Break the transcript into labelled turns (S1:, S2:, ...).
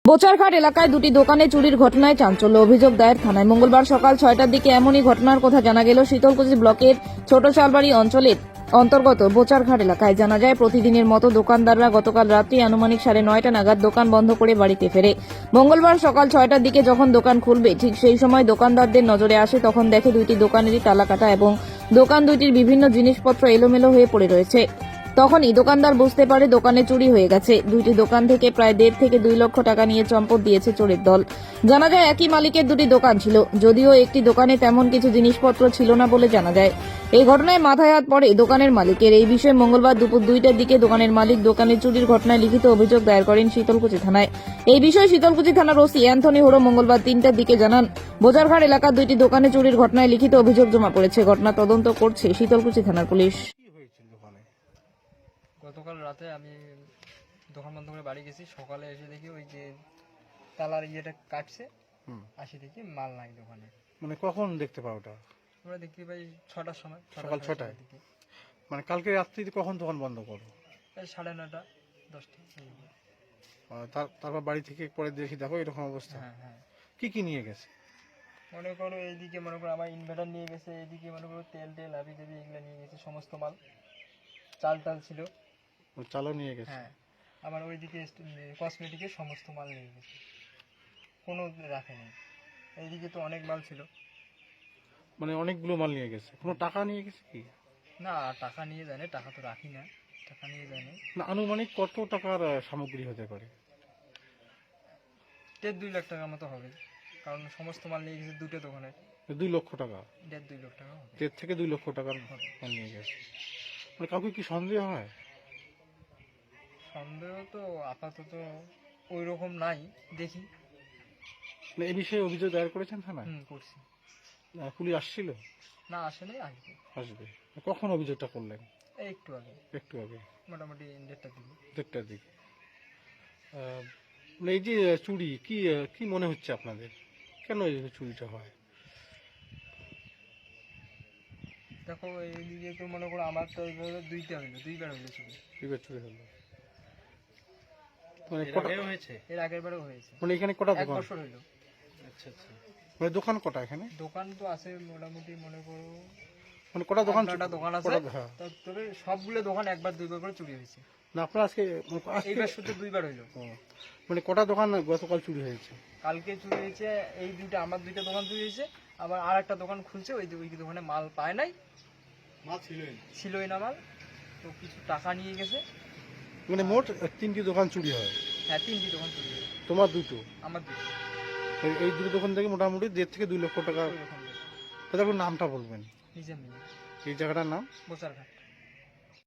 S1: বোচারঘাট এলাকায় দুটি দোকানে চুরির ঘটনায় চাঞ্চল্য। অভিযোগ দায়ের থানায়। মঙ্গলবার সকাল 6টার দিকে এমনই ঘটনার কথা জানা গেল শীতলকুচি ব্লকের ছোট চালবাড়ি অঞ্চলের অন্তর্গত বোচারঘাট এলাকায়। জানা যায়, প্রতিদিনের মতো দোকানদাররা গতকাল রাত্রি আনুমানিক 9:30 নাগাদ দোকান বন্ধ করে বাড়িতে ফেরে। মঙ্গলবার সকাল 6টার দিকে যখন দোকান খুলবে ঠিক সেই সময় দোকানদারদের নজরে আসে, তখন দেখে দুইটি দোকানেরই তালা কাটা এবং দোকান দুইটির বিভিন্ন জিনিসপত্র এলোমেলো হয়ে পড়ে রয়েছে। তখনই দোকানদার বুঝতে পারে দোকানে চুরি হয়ে গেছে। দুইটি দোকান থেকে প্রায় 1.5 থেকে 2 লক্ষ টাকা নিয়ে চম্পট দিয়েছে চোরের দল। জানা যায়, একই মালিকের দুটি দোকান ছিল, যদিও একটি দোকানে তেমন কিছু জিনিসপত্র ছিল না বলে জানা যায়। এই ঘটনায় মাথায় হাত পড়ে দোকানের মালিকের। এই বিষয়ে মঙ্গলবার দুপুর 2টার দিকে দোকানের মালিক দোকানে চুরির ঘটনায় লিখিত অভিযোগ দায়ের করেন শীতলকুচি থানায়। এই বিষয়ে শীতলকুচি থানার ওসি অ্যান্থনি হোড়ো মঙ্গলবার 3টার দিকে জানান, বোচারঘাট এলাকার দুইটি দোকানে চুরির ঘটনায় লিখিত অভিযোগ জমা পড়েছে। ঘটনা তদন্ত করছে শীতলকুচি থানার পুলিশ।
S2: গতকাল রাতে আমি দোকান বন্ধ করে বাড়ি গেছি। সকালে এসে দেখি ওই যে তালার ইয়েটা কাটছে, আসি দেখি মাল নাই দোকানে।
S3: মানে কখন দেখতে পাও ওটা?
S2: আমরা দেখতে পাই 6টার সময়,
S3: সকাল 6টায়।
S2: দিকে।
S3: মানে কালকে রাত্রিতে কখন দোকান বন্ধ করো?
S2: এই 9:30 10টা।
S3: তারপর বাড়ি থেকে পরে দেখি দেখো এরকম অবস্থা।
S2: হ্যাঁ হ্যাঁ,
S3: কি কি নিয়ে গেছে?
S2: মনে করো এইদিকে মনে করো আমার ইনভার্টার নিয়ে গেছে, এইদিকে মনে করো তেল আবি টাবি এগুলো নিয়ে গেছে, সমস্ত মাল। চাল ছিল।
S3: চালও নিয়ে গেছে?
S2: হ্যাঁ, আমার ওইদিকে কসমেটিকের সমস্ত মাল নিয়ে গেছে, কোনো রাখেনি। এইদিকে তো অনেক মাল ছিল।
S3: মানে অনেকগুলো মাল নিয়ে গেছে। কোনো টাকা নিয়ে গেছে কি?
S2: না, টাকা নিয়ে যায় না, টাকা তো রাখি না, টাকা নিয়ে যায় না।
S3: না, আনুমানিক কত টাকার সামগ্রী হতে পারে?
S2: 1.5-2 লাখ টাকার মতো হবে, কারণ সমস্ত মাল নিয়ে গেছে দুটো দোকানে।
S3: 2 লক্ষ টাকা?
S2: 1.5-2 লাখ টাকা হবে।
S3: 1.5 থেকে 2 লক্ষ টাকার মাল নিয়ে গেছে। মানে কাউকে কি সন্দেহ হয়?
S2: সন্দেহ তো আপাতত ওই রকম নাই, দেখি।
S3: মানে এই বিষয়ে অভিযোগ দায়ের করেছেন থানায়?
S2: করছি।
S3: পুলিশ আসছিল?
S2: না, আসেনি, আসবে।
S3: আসবে। কখন অভিযোগটা করলেন?
S2: এই একটু আগে,
S3: একটু আগে,
S2: মোটামুটি 1:30টার দিকে।
S3: 1:30টার দিকে। মানে এই যে চুরি, কি কি মনে হচ্ছে আপনাদের? কেন এই চুরিটা হয়?
S2: দেখো, এইদিকে তো মনে করো আমার তো এইভাবে দুইবার হইলো চুরি।
S3: দুইবার চুরি হলো? মানে
S2: এর আগের বারও হয়েছে।
S3: মানে এখানে কটা
S2: 1
S3: দোকান?
S2: বছর হইলো।
S3: আচ্ছা আচ্ছা। মানে দোকান কটা এখানে?
S2: দোকান তো আছে মোটামুটি, মনে করো
S3: মানে কটা দোকান?
S2: 8-9টা দোকান আছে।
S3: হ্যাঁ।
S2: তবে সবগুলো দোকান একবার দুইবার করে চুরি হয়েছে।
S3: না, আপনার আজকে
S2: এইবার শুধু দুইবার হইলো।
S3: মানে কটা দোকান গতকাল চুরি হয়েছে?
S2: কালকে চুরি হয়েছে এই দুইটা, আমার দুইটা দোকান চুরি হয়েছে। আবার আর একটা দোকান খুলছে, ওই দোকানে মাল পায় নাই, মাল ছিলই না মাল, তো কিছু টাকা নিয়ে গেছে।
S3: মানে মোট 3টি দোকান চুরি হয়?
S2: হ্যাঁ, 3টি দোকান চুরি হয়েছে।
S3: তোমার দুটো?
S2: আমার দুটো।
S3: এই দুটো দোকান থেকে মোটামুটি 1.5 থেকে 2 লক্ষ টাকা।
S2: ওই রকম।
S3: তাহলে আপনার নামটা বলবেন?
S2: নিজের
S3: এই জায়গাটার নাম?
S2: বোচারঘাট।